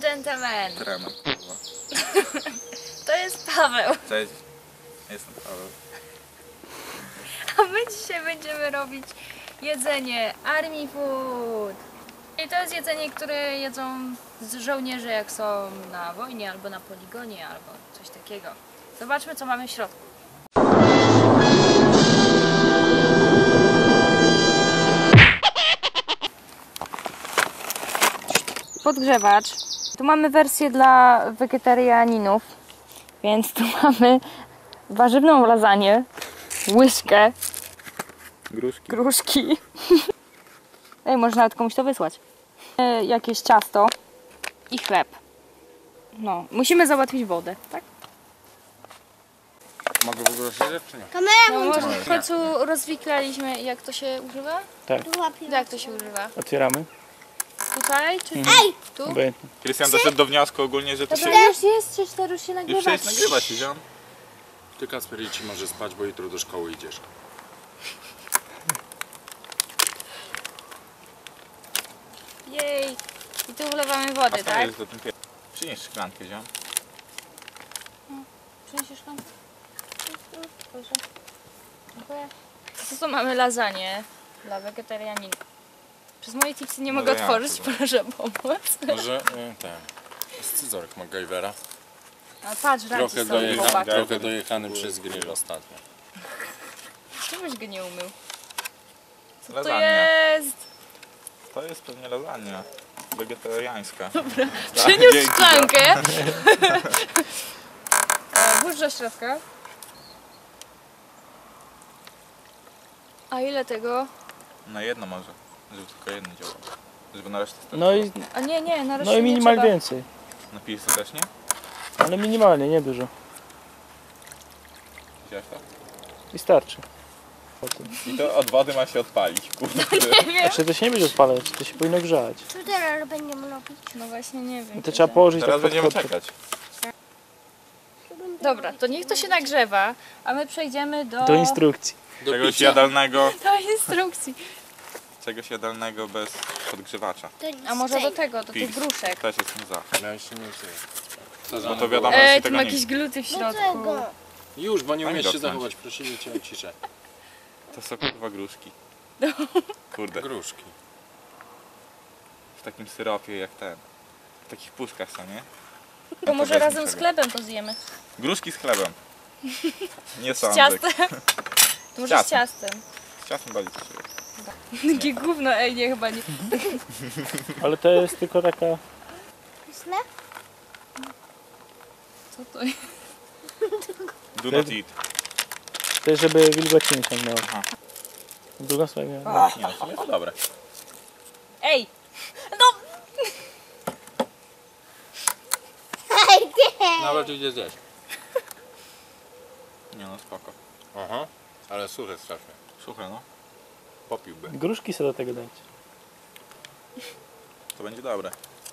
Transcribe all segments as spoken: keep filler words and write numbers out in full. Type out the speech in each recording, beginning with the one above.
gentlemen. Trema, kurwa. To jest Paweł. Cześć, jestem Paweł. A my dzisiaj będziemy robić jedzenie Army Food. I to jest jedzenie, które jedzą żołnierze, jak są na wojnie, albo na poligonie, albo coś takiego. Zobaczmy, co mamy w środku. Podgrzewacz. Tu mamy wersję dla wegetarianinów, więc tu mamy warzywną lasagne, łyżkę, Gruszki. gruszki. Ej, można nawet komuś to wysłać. E, jakieś ciasto i chleb. No, musimy załatwić wodę, tak? Mogę w ogóle siedzieć, czy nie? No, Kamera może w końcu rozwiklaliśmy, jak to się używa? tak. Jak to się używa? Otwieramy. Tutaj czy Mhm. Ej! Tu? Obojętnie. Krystian doszedł do wniosku ogólnie, że to się... Dobra, już jest, trzy cztery już się Już nagrywa. przecież nagrywa się, ziom. Ty, Kacper, idź, może spać, bo jutro do szkoły idziesz. Jej! I tu wlewamy A wodę, to tak? jest do tym pier... Przynieś szklankę, ziom. Przyniesiesz szklankę? Proszę. Dziękuję. To tu mamy lasagne dla wegetarianinów. Przez moje tipsy nie No mogę to ja otworzyć, chyba. proszę pomóc. Może y, ten, scyzoryk MacGyvera. A patrz, Trochę, racji są dojecha, chłopaki. trochę dojechany przez grill ostatnio. Czemuś go nie umył? Co to Lasagna. jest? To jest pewnie lasagna. Wegetariańska. Przyniósł dzięki, szklankę. O, włóż do środka. A ile tego? Na jedno może. Żeby tylko jedno działało. Żeby na resztę starczyło. No i, A nie, nie, na razie no i nie minimal trzeba. więcej. Na pizzę też nie? Ale minimalnie, nie dużo. Widziałeś to? I starczy. Potem. I to od wody ma się odpalić, kurde. Nie wiem. Znaczy to się nie będzie odpalać, to się powinno grzać. Co teraz będziemy robić? No właśnie nie wiem. I to trzeba położyć Teraz tak pod będziemy kotwę. czekać. Dobra, to niech to się nagrzewa, a my przejdziemy do... Do instrukcji. Do Czegoś picia. jadalnego, do instrukcji. czegoś jadalnego bez podgrzewacza. To nic A może do tego, do tych Pils. gruszek. Też jestem za. Miałeś się mieć. Bo to wiadomo, że Ej, się tu tego ma nie... jakieś gluty w Do środku. czego? Już, bo nie Daj mi umiesz się dotknąć. zachować, prosimy cię o ciszę. To są kurwa gruszki. Kurde. Gruszki. W takim syropie jak ten. W takich puszkach są, nie? To może weźmy razem z sobie. chlebem to zjemy. Gruszki z chlebem. Nie Z sądzę. ciastem. To może z ciastem. ciastem. Z ciastem bardziej coś jest. Takie gówno, ej, nie, chyba nie. Ale to jest tylko taka... Pyszne? Co to jest? Do not eat. To jest, żeby wilgoci nie ciągnęło. Aha. Drugą stronę. Nie, no w sumie to dobre. Ej! No! Ej, nie! Nawet idzie zjeść. Nie no, spoko. Aha. Ale suche strasznie. Suche no. Popiłby. Gruszki sobie do tego dajcie. To będzie dobre.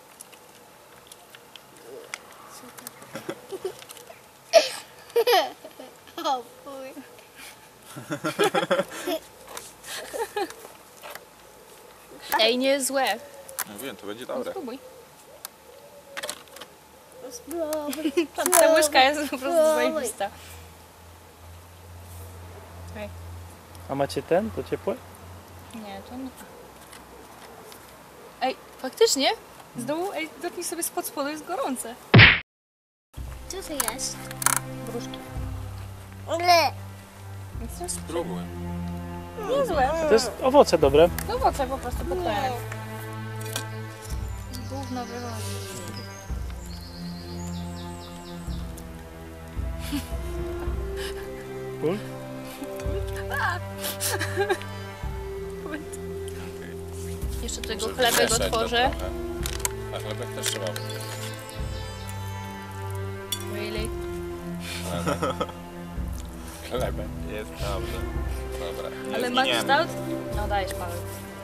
O fuj. Ej, nie jest złe. No wiem, to będzie No, dobre. spróbuj. Spróbuj. Ta łyżka jest po prostu zajebista. A macie ten? To ciepłe? Nie, to nie. Ej, faktycznie? Z dołu, ej, dotknij sobie spod spodu, jest gorące. Co to jest? Gruszki. Le. Spróbuj. Niezłe. To jest owoce dobre. No owoce po prostu pokroję. Gówno wychodzi. Cool. Jeszcze tego Żeby chlebek mieszać to otworzę. trochę. A chlebek też trzeba. Really? Chlebek. Jest dobrze. Dobra. Nie Ale ma zginiemy. kształt? No dajesz, Paweł.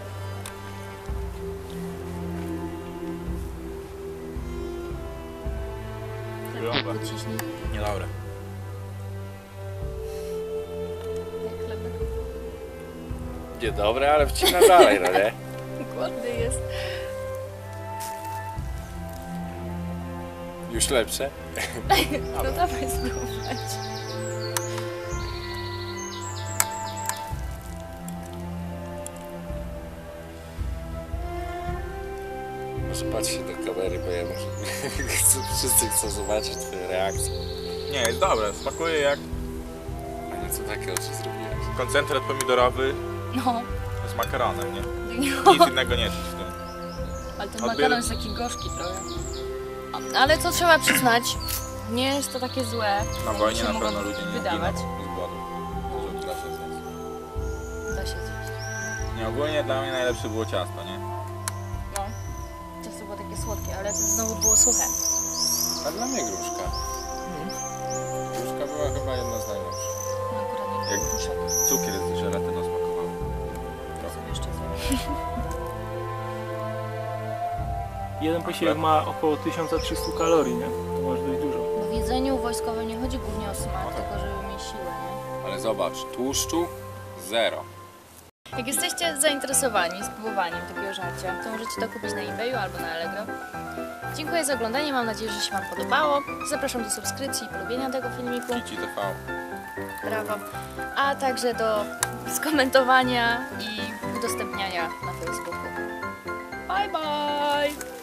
Wygląda. Niedobre. Jak chlebek. Niedobre, ale wcina dalej, no nie? Głodny jest. Już lepsze? No dawaj spróbować. Może patrz się do kamery, bo ja muszę... chcę, wszyscy chcą zobaczyć twoje reakcje. Nie, jest dobre, smakuje jak A nie, co takie oczy zrobiłeś? koncentrat pomidorowy No. z makaronem, nie? Nic innego nie czuć w tym. Ale ten Odbier- makaron jest taki gorzki trochę. Ale co trzeba przyznać, nie jest to takie złe. Na jak wojnie się na mogą pewno ludzie nie wydawać. giną z głodu. Że da się zjeść. Da się zjeść. Nie, ogólnie dla mnie najlepsze było ciasto, nie? No. Ciasto było takie słodkie, ale znowu było suche. A dla mnie gruszka. Gruszka była chyba jedna z najlepszych. No akurat nie Jak- było gruszek. Cukier z żelatyną smakował. Są jeszcze złe. Jeden posiłek ma około tysiąc trzysta kalorii, nie? To może dość dużo. W jedzeniu wojskowym nie chodzi głównie o smak, No tak. tylko żeby mieć siłę, nie? Ale zobacz, tłuszczu zero. Jak jesteście zainteresowani spróbowaniem takiego żarcia, to możecie to kupić na eBayu albo na Allegro. Dziękuję za oglądanie, mam nadzieję, że się Wam podobało. Zapraszam do subskrypcji i polubienia tego filmiku. Kici T V. Brawo. A także do skomentowania i udostępniania na Facebooku. Bye bye!